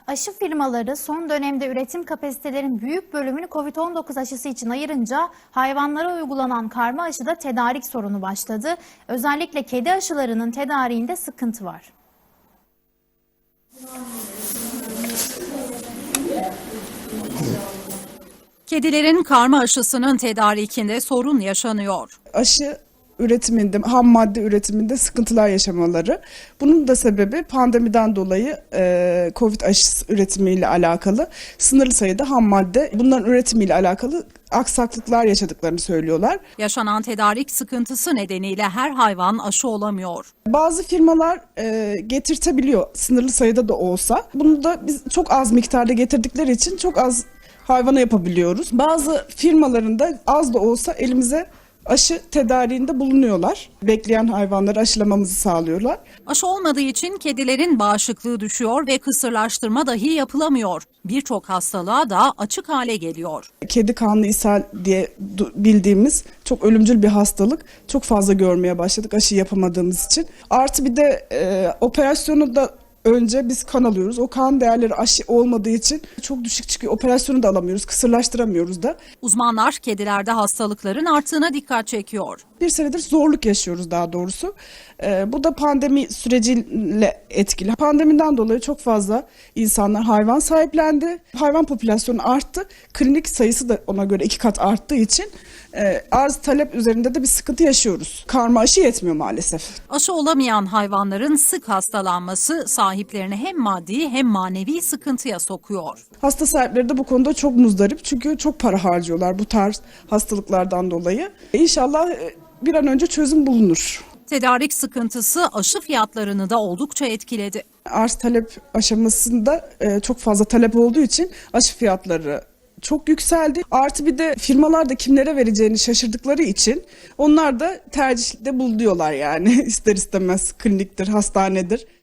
Aşı firmaları son dönemde üretim kapasitelerin büyük bölümünü COVID-19 aşısı için ayırınca hayvanlara uygulanan karma aşıda tedarik sorunu başladı. Özellikle kedi aşılarının tedariğinde sıkıntı var. Kedilerin karma aşısının tedarikinde sorun yaşanıyor. Aşı üretiminde, ham madde üretiminde sıkıntılar yaşamaları. Bunun da sebebi pandemiden dolayı COVID aşısı üretimiyle alakalı sınırlı sayıda ham madde, bunların üretimiyle alakalı aksaklıklar yaşadıklarını söylüyorlar. Yaşanan tedarik sıkıntısı nedeniyle her hayvan aşı olamıyor. Bazı firmalar getirtebiliyor sınırlı sayıda da olsa. Bunu da biz çok az miktarda getirdikleri için çok az hayvana yapabiliyoruz. Bazı firmaların da az da olsa elimize aşı tedariğinde bulunuyorlar. Bekleyen hayvanları aşılamamızı sağlıyorlar. Aşı olmadığı için kedilerin bağışıklığı düşüyor ve kısırlaştırma dahi yapılamıyor. Birçok hastalığa da açık hale geliyor. Kedi kanlı ishal diye bildiğimiz çok ölümcül bir hastalık. Çok fazla görmeye başladık aşı yapamadığımız için. Artı bir de operasyonu da önce biz kan alıyoruz. O kan değerleri aşı olmadığı için çok düşük çıkıyor. Operasyonu da alamıyoruz, kısırlaştıramıyoruz da. Uzmanlar kedilerde hastalıkların arttığına dikkat çekiyor. Bir senedir zorluk yaşıyoruz daha doğrusu. Bu da pandemi süreciyle etkili. Pandemiden dolayı çok fazla insanlar hayvan sahiplendi. Hayvan popülasyonu arttı. Klinik sayısı da ona göre 2 kat arttığı için arz talep üzerinde de bir sıkıntı yaşıyoruz. Karma aşı yetmiyor maalesef. Aşı olamayan hayvanların sık hastalanması sahiplerini hem maddi hem manevi sıkıntıya sokuyor. Hasta sahipleri de bu konuda çok muzdarip çünkü çok para harcıyorlar bu tarz hastalıklardan dolayı. İnşallah bir an önce çözüm bulunur. Tedarik sıkıntısı aşı fiyatlarını da oldukça etkiledi. Arz talep aşamasında çok fazla talep olduğu için aşı fiyatları çok yükseldi. Artı bir de firmalar da kimlere vereceğini şaşırdıkları için onlar da tercihte bulunuyorlar yani ister istemez kliniktir, hastanedir.